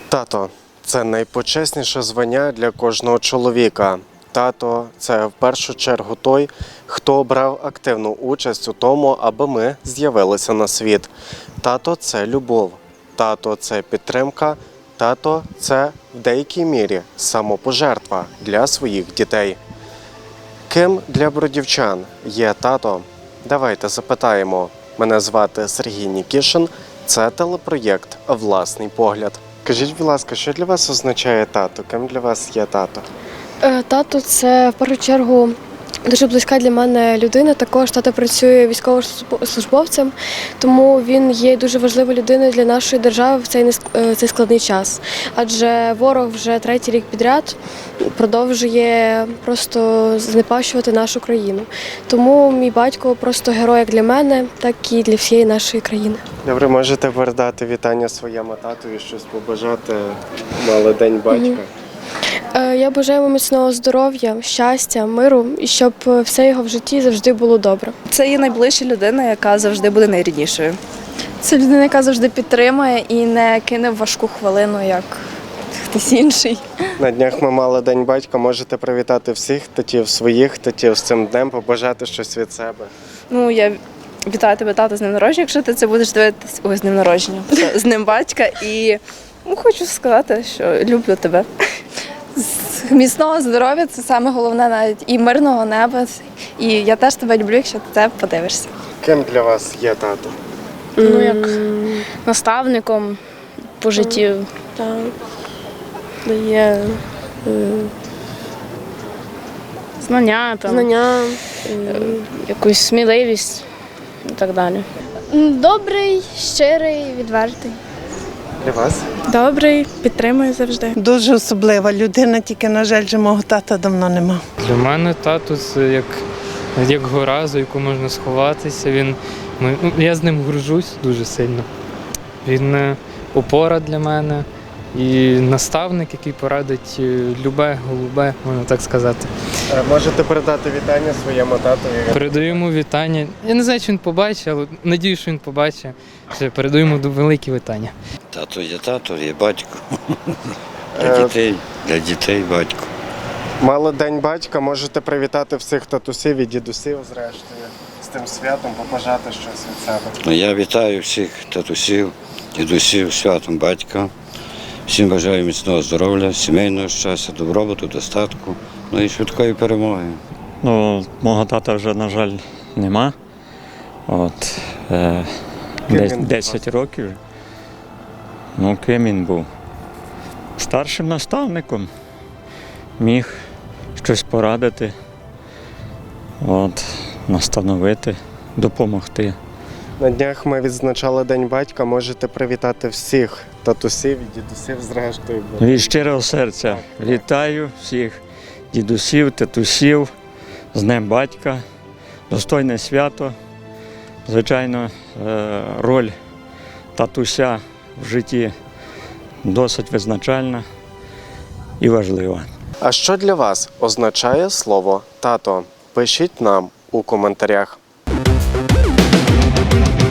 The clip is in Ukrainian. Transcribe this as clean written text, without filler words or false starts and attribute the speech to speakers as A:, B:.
A: Тато – це найпочесніше звання для кожного чоловіка. Тато – це в першу чергу той, хто брав активну участь у тому, аби ми з'явилися на світ. Тато – це любов. Тато – це підтримка. Тато – це в деякій мірі самопожертва для своїх дітей. Ким для бродівчан є тато? Давайте запитаємо. Мене звати Сергій Нікішин. Це телепроєкт «Власний погляд». Кажіть, будь ласка, що для вас означає тато? Ким для вас є тато?
B: Тато – це в першу чергу дуже близька для мене людина. Також тато працює військовослужбовцем, тому він є дуже важливою людиною для нашої держави в цей складний час. Адже ворог вже 3-й рік підряд продовжує просто знепащувати нашу країну. Тому мій батько просто герой як для мене, так і для всієї нашої країни.
A: Добре, можете передати вітання своєму татові, щось побажати, мали День батька?
B: Я бажаю йому міцного здоров'я, щастя, миру і щоб все його в житті завжди було добре.
C: Це є найближча людина, яка завжди буде найріднішою.
D: Це людина, яка завжди підтримує і не кине в важку хвилину, як хтось інший.
A: На днях ми мали День батька. Можете привітати всіх татів, своїх татів з цим днем, побажати щось від себе.
C: Ну, я вітаю тебе, тато, з днем народження, якщо ти це будеш дивитися. Ой, з днем народження. З днем батька. І хочу сказати, що люблю тебе.
D: Міцного здоров'я – це саме головне, навіть і мирного неба. І я теж тебе люблю, якщо ти це подивишся.
A: Ким для вас є тато?
E: Ну, як наставником по житті.
B: Так. Дає
E: Знання,
B: знання.
E: якусь сміливість і так далі.
F: Добрий, щирий, відвертий.
A: Для вас?
G: Добрий, підтримує завжди.
H: Дуже особлива людина, тільки, на жаль, же мого тата давно нема.
I: Для мене тато це як гора, за яку можна сховатися. Я з ним горжусь дуже сильно. Він опора для мене і наставник, який порадить любе, голубе, можна так сказати.
A: Можете передати вітання своєму татові?
I: Передаю йому вітання. Я не знаю, чи він побачить, але надію, що він побачить. Передаю йому великі вітання.
J: Тато є батько. Для дітей батько.
A: Мали День батька, можете привітати всіх татусів і дідусів, зрештою, з тим святом, побажати щось від себе.
J: Я вітаю всіх татусів, дідусів, святом батька. Всім бажаю міцного здоров'я, сімейного щастя, добробуту, достатку, і швидкої перемоги.
K: Мого тата вже, на жаль, нема. Десь 10 років. Ким він був? Старшим наставником. Міг щось порадити, настановити, допомогти.
A: На днях ми відзначали День батька, можете привітати всіх татусів і дідусів, зрештою.
K: Від щирого серця вітаю всіх дідусів, татусів з Днем батька. Достойне свято. Звичайно, роль татуся в житті досить визначальна і важлива.
A: А що для вас означає слово «тато»? Пишіть нам у коментарях.